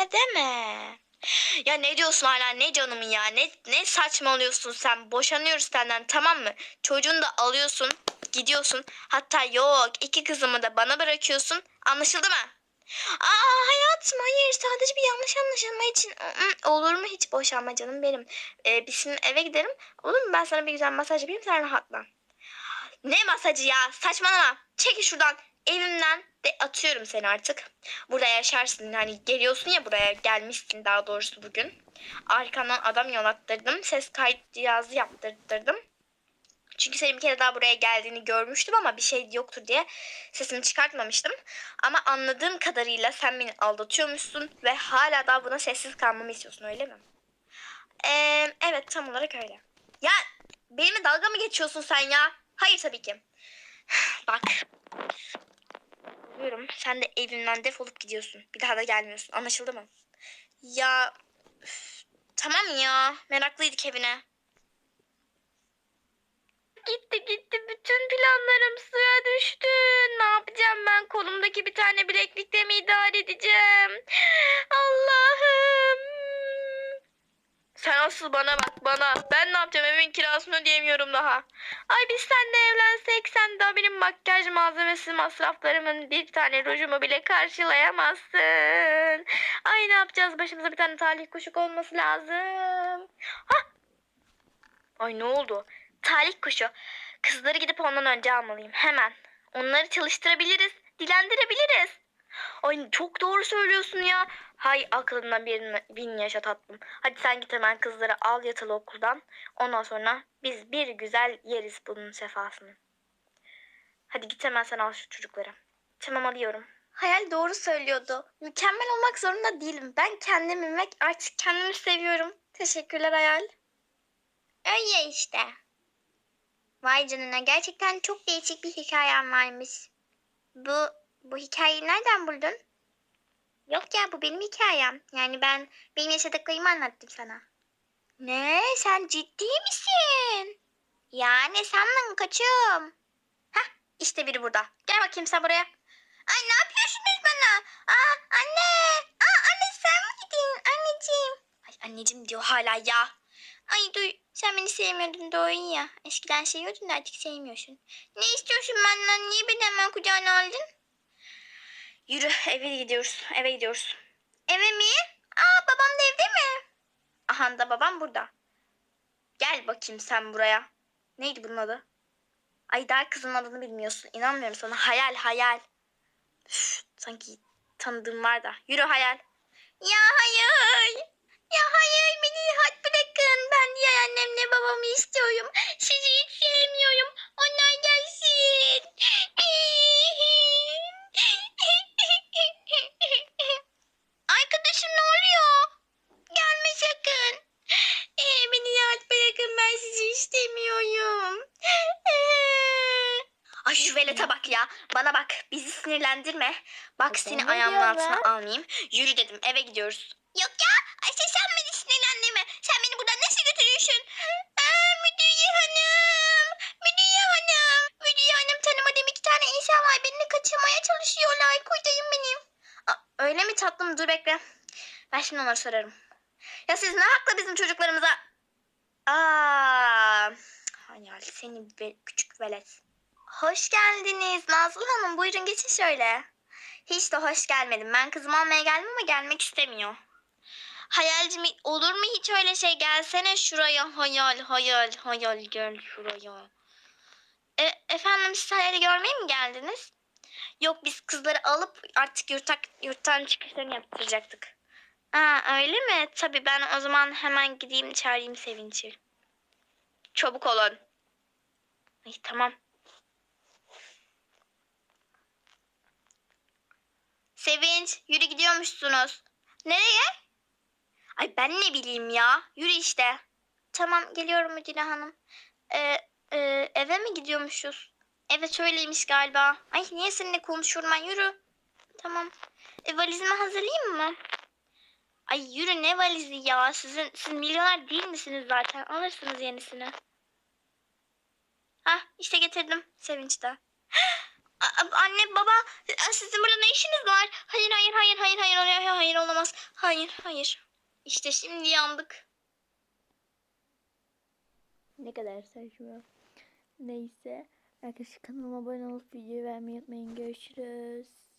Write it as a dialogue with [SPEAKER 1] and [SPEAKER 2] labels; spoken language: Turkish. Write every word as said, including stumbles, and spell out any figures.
[SPEAKER 1] öyle deme. Ya ne diyorsun hala, ne canımı ya, ne ne saçmalıyorsun sen, boşanıyoruz senden, tamam mı? Çocuğunu da alıyorsun, gidiyorsun, hatta yok iki kızımı da bana bırakıyorsun, anlaşıldı mı? Aa hayatım, hayır, sadece bir yanlış anlaşılma için. Mm, olur mu hiç boşanma canım benim. Ee, biz şimdi eve gidelim, olur mu? Ben sana bir güzel masaj yapayım, sen rahatla. Ne masajı ya, saçmalama, çekil şuradan evimden, de atıyorum seni artık. Burada yaşarsın, hani geliyorsun ya, buraya gelmişsin daha doğrusu bugün. Arkandan adam yollattırdım, ses kayıt cihazı yaptırttırdım. Çünkü senin bir kere daha buraya geldiğini görmüştüm ama bir şey yoktur diye sesini çıkartmamıştım. Ama anladığım kadarıyla sen beni aldatıyormuşsun ve hala daha buna sessiz kalmamı istiyorsun, öyle mi? Ee, evet, tam olarak öyle. Ya benimle dalga mı geçiyorsun sen ya? Hayır tabii ki. Bak. Diyorum, sen de evimden defolup gidiyorsun. Bir daha da gelmiyorsun. Anlaşıldı mı? Ya üf, tamam ya. Meraklıydık evine. Gitti gitti, bütün planlarım suya düştü. Ne yapacağım ben? Kolumdaki bir tane bileklikle mi idare edeceğim? Allah'ım. Sen asıl bana bak, bana. Ben ne yapacağım? Evin kirasını ödeyemiyorum daha. Ay biz seninle evlensek, sen daha benim makyaj malzemesi masraflarımın bir tane rujumu bile karşılayamazsın. Ay ne yapacağız? Başımıza bir tane talih kuşu olması lazım. Hah! Ay ne oldu? Talih kuşu. Kızları gidip ondan önce almalıyım. Hemen. Onları çalıştırabiliriz. Dilendirebiliriz. Ay çok doğru söylüyorsun ya. Hay aklından bin, bin yaşa tatlım. Hadi sen git hemen kızları al yatılı okuldan. Ondan sonra biz bir güzel yeriz bunun sefasını. Hadi git hemen sen al şu çocukları. Tamam, alıyorum. Hayal doğru söylüyordu. Mükemmel olmak zorunda değilim. Ben kendimi ve artık kendimi seviyorum. Teşekkürler Hayal. Öyle işte. Vay canına, gerçekten çok değişik bir hikayem varmış. Bu, bu hikayeyi nereden buldun? Yok ya, bu benim hikayem. Yani ben benim yaşadıklarımı anlattım sana. Ne? Sen ciddi misin? Ya ne sandın kaçım? Hah, işte biri burada. Gel bakayım sen buraya. Ay ne yapıyorsunuz bana? Aa anne. Aa anne, sen mi gidin anneciğim? Ay anneciğim diyor hala ya. Ay duy, sen beni sevmiyordun doğru ya. Eskiden seviyordun da artık sevmiyorsun. Ne istiyorsun benden? Niye beni hemen kucağına aldın? Yürü, eve gidiyoruz. Eve gidiyoruz. Eve mi? Aa babam da evde mi? Aha da babam burada. Gel bakayım sen buraya. Neydi bunun adı? Ay daha kızın adını bilmiyorsun. İnanmıyorum sana. Hayal hayal. Üf, sanki tanıdığım var da. Yürü hayal. Ya hayır. Ya hayır, beni rahat bırakın. Ben diğer annemle babamı istiyorum. Sizi hiç sevmiyorum. Onlar gelsin. Arkadaşım ne oluyor? Gelme sakın. Ee, beni rahat bırakın, ben sizi istemiyorum. Ay şu velete bak ya. Bana bak, bizi sinirlendirme. Bak seni ayağımın altına almayayım. Yürü dedim, eve gidiyoruz. Yok ya, Ayşe sen beni sinirlendirme. Sen beni buradan nasıl götürüyorsun? Aa, müdüre hanım. Müdüre hanım. Müdüre hanım, tanımadığım iki tane insan var. Beni kaçırmaya çalışıyorlar. Kurtarın beni. Aa, öyle mi tatlım? Dur bekle. Ben şimdi onları sorarım. Ya siz ne hakla bizim çocuklarımıza? Aa, hayal seni be, küçük velet. Hoş geldiniz Nazlı Hanım. Buyurun geçin şöyle. Hiç de hoş gelmedim. Ben kızımı almaya geldim ama gelmek istemiyor. Hayalcim, olur mu hiç öyle şey? Gelsene şuraya. Hayal hayal hayal, gel şuraya. E, efendim, siz hayali görmeye mi geldiniz? Yok, biz kızları alıp artık yurtak, yurttan çıkışlarını yaptıracaktık. Aa, öyle mi? Tabii ben o zaman hemen gideyim çağırayım Sevinç'i. Çabuk olun. Ay, tamam. Sevinç, yürü, gidiyormuşsunuz. Nereye? Ay ben ne bileyim ya. Yürü işte. Tamam, geliyorum Müdüre Hanım. Ee, e, eve mi gidiyormuşuz? Evet öyleymiş galiba. Ay niye seninle konuşuyorum ben, yürü. Tamam. E, valizimi hazırlayayım mı? Ay yürü, ne valizi ya? Sizin, siz milyoner değil misiniz zaten? Alırsınız yenisini. Hah işte getirdim. Sevinç de. A- Anne baba sizin burada ne işiniz var? Hayır hayır hayır hayır hayır hayır hayır olamaz. Hayır hayır. İşte şimdi yandık.
[SPEAKER 2] Ne kadar saçma. Neyse. Arkadaşlar kanalıma abone olup videoyu beğenmeyi unutmayın. Görüşürüz.